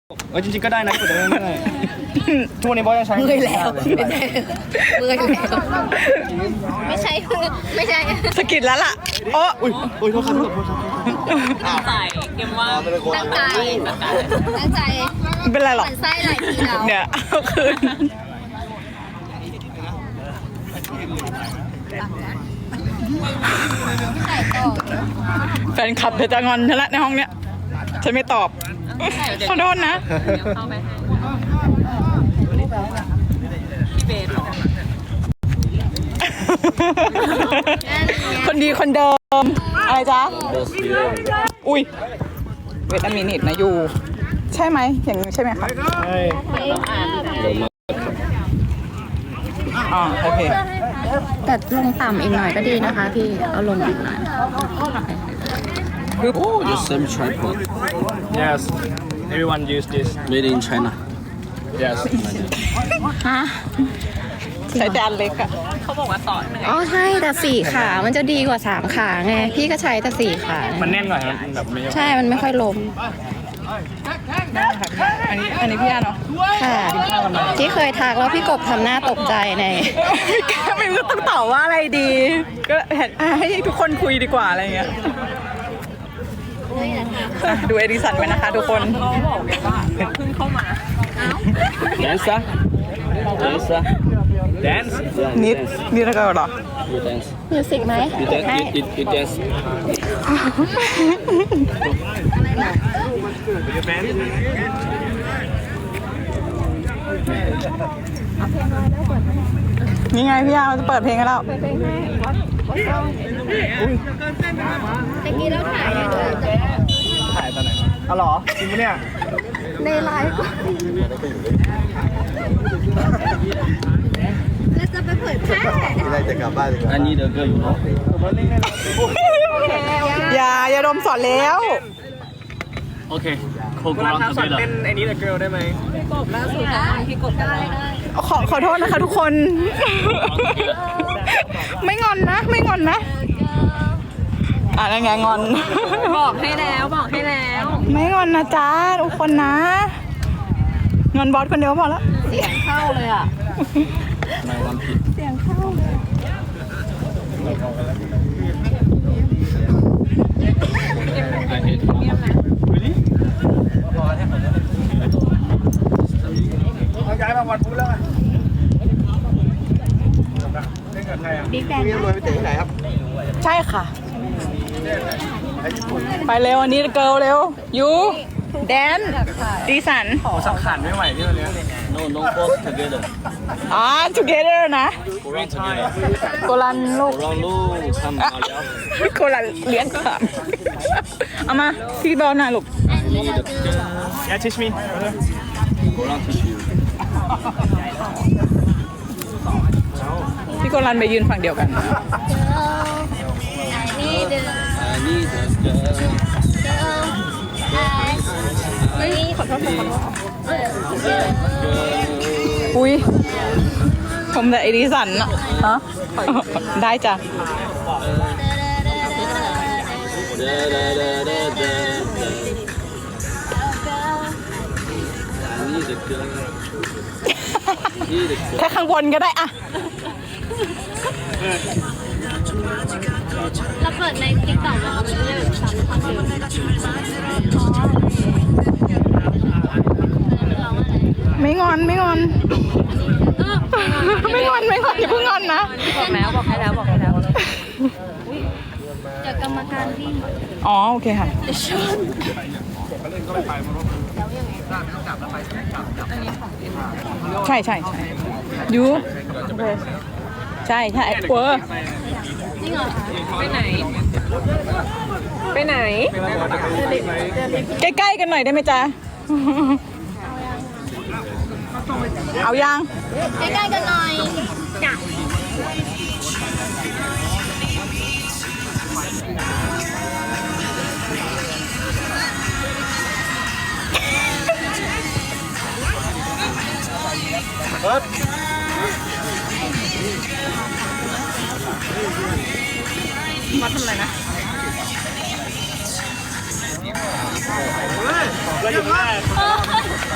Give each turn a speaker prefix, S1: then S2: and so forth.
S1: จริงๆก็ได้นะกดได้ไม่ได้ทุกวันนี้บอสยังใช้
S2: เมื่อยแล้วเมื่อยแล้วไม่ใช่
S3: สะกิดแล้วล่ะโอ้
S1: อุ้ยโทษครับ
S4: ตั้งใจเกมว่า
S2: ตั้งใจ
S3: ไม่เป็นไรหรอก
S2: มันไส้หลายทีแล้ว
S3: เนี่ยเอาคืนแฟนคลับเธอจะงอนฉันละในห้องเนี้ยฉันไม่ตอบขอโทษนะ
S4: เข้าไปพี่เบส
S3: คนดีคนเดิมอะไรจ๊ะอุ้ยเวทามินิดนะยูใช่ไหมอย่างนี้ใช่ไหมคะอ๋อโอเค
S2: แต่ลงต่ำอีกหน่อยก็ดีนะคะพี่เอาลงอีกหน่อย
S5: Oh, the same tripod.
S1: yes everyone use this
S5: Made in China.
S1: yes
S2: ฮะ
S3: ใช้แต่อันเล็กอะ
S4: เขาบอกว่าต่อเหนื่อย
S2: อ๋อใช่แต่4 ขามันจะดีกว่า3 ขาไงพี่ก็ใช้แต่4 ขา
S1: มันแน่นหน่อยมันแบบไม่
S2: ใช่มันไม่ค่อยล้ม
S3: อันนี้พี่อาเนาะ
S2: ค่ะที่เคยทักแล้วพี่กบทำหน้าตกใจใน
S3: ไม่รู้ต้องตอบว่าอะไรดี ก็ให้ทุกคนคุยดีกว่าอะไรเงี้ยดูเอดิสันไว้นะคะทุกคน
S4: เขาบอกว่าเพิ่งเข้ามา
S5: Dancer? Dancer?
S1: dance
S3: นิดนี่แล้วก็เหรอ
S5: You dance.
S2: มิวสิกไหม
S5: You dance. You dance.
S1: your band
S3: นี่ไงพี่อาจะเปิดเพลงให้แล้ว
S2: ตะกี้เราถ่ายในด้วย
S1: ถ่ายตอนไหนอ๋อเหรอจริงปะเนี่ย
S2: ในไลฟ์แล้วจะไปเผยแพร่
S5: I need a girl, you know.
S3: อย่าดมสอนแล้ว
S5: Okay.
S1: เวลา
S5: Co-ground
S1: ทำสอนเต้น
S5: together.
S1: ไอ้นี้แต่ girl ได้ไหม
S4: พี่กดได้
S3: ขอโทษนะคะทุกคน ไม่งอนนะ ไม่งอนนะอะไรไงงอน
S4: บอกให้แล้วบอกให้แล้ว
S3: ไม่งอนนะจ๊ะทุกคนนะ งอนบอสคนเดียวพอแล้ว
S2: เสียงเข้าเลยอ่ะ
S5: My one piece.
S2: เสียงเข้าเลย
S5: I hate.
S1: really ย้ายมาวันพุธแล้วไงเล่นกับใครอ่ะ
S2: บิ๊กแบง
S1: รวยไปเตะที่ไหนครับ
S3: ใช่ค่ะ ไปเร็วอันนี้เกิลเร็วยูแดนดีสัน
S1: สังขารไม่ไหวที่วันนี้
S5: No, no, both together.
S3: together นะ
S5: Go round together.
S3: โกลันลูก
S5: Go round, look. Come on, yeah.
S3: โกลันเลี้ยงก่อนเอามาพี่บอลหน่อยลูก
S5: I need a girl.
S1: yeah teach me
S5: Go round to you.
S3: พี่โกลันไปยืนฝั่งเดียวกัน
S2: นี่เดิน
S5: I need a girl.
S2: ขอโทษ
S3: อุ้ยผมแต่ไอดิสันอะฮะได้จ้ะ
S5: Da, da, da, da, da, da. I need a girl. Need a girl.
S3: แค่ข้างบนก็ได้อะ
S2: เราเปิดในติ๊กต็อกเราเลือกสามข้อมูล
S3: ไม่งอนไม่งอนไม่งอนไม่งอนอย่าเพิ่งงอนนะ
S4: บอกให้แล้วบอกให้แล้ว
S2: จากกรรมการที่
S3: อ๋อโอเคค่ะใช่ใช่ใช่ยูใช่ใช่เวอร์
S2: จริงเหรอ
S4: ไปไหน ไปไหน
S3: ใกล้ๆกันหน่อยได้ไหมจ๊ะเอายัง
S2: ใกล้ๆกันหน่อยจ้ะ
S3: มาทำอะไรนะ
S1: เราอยู่ได้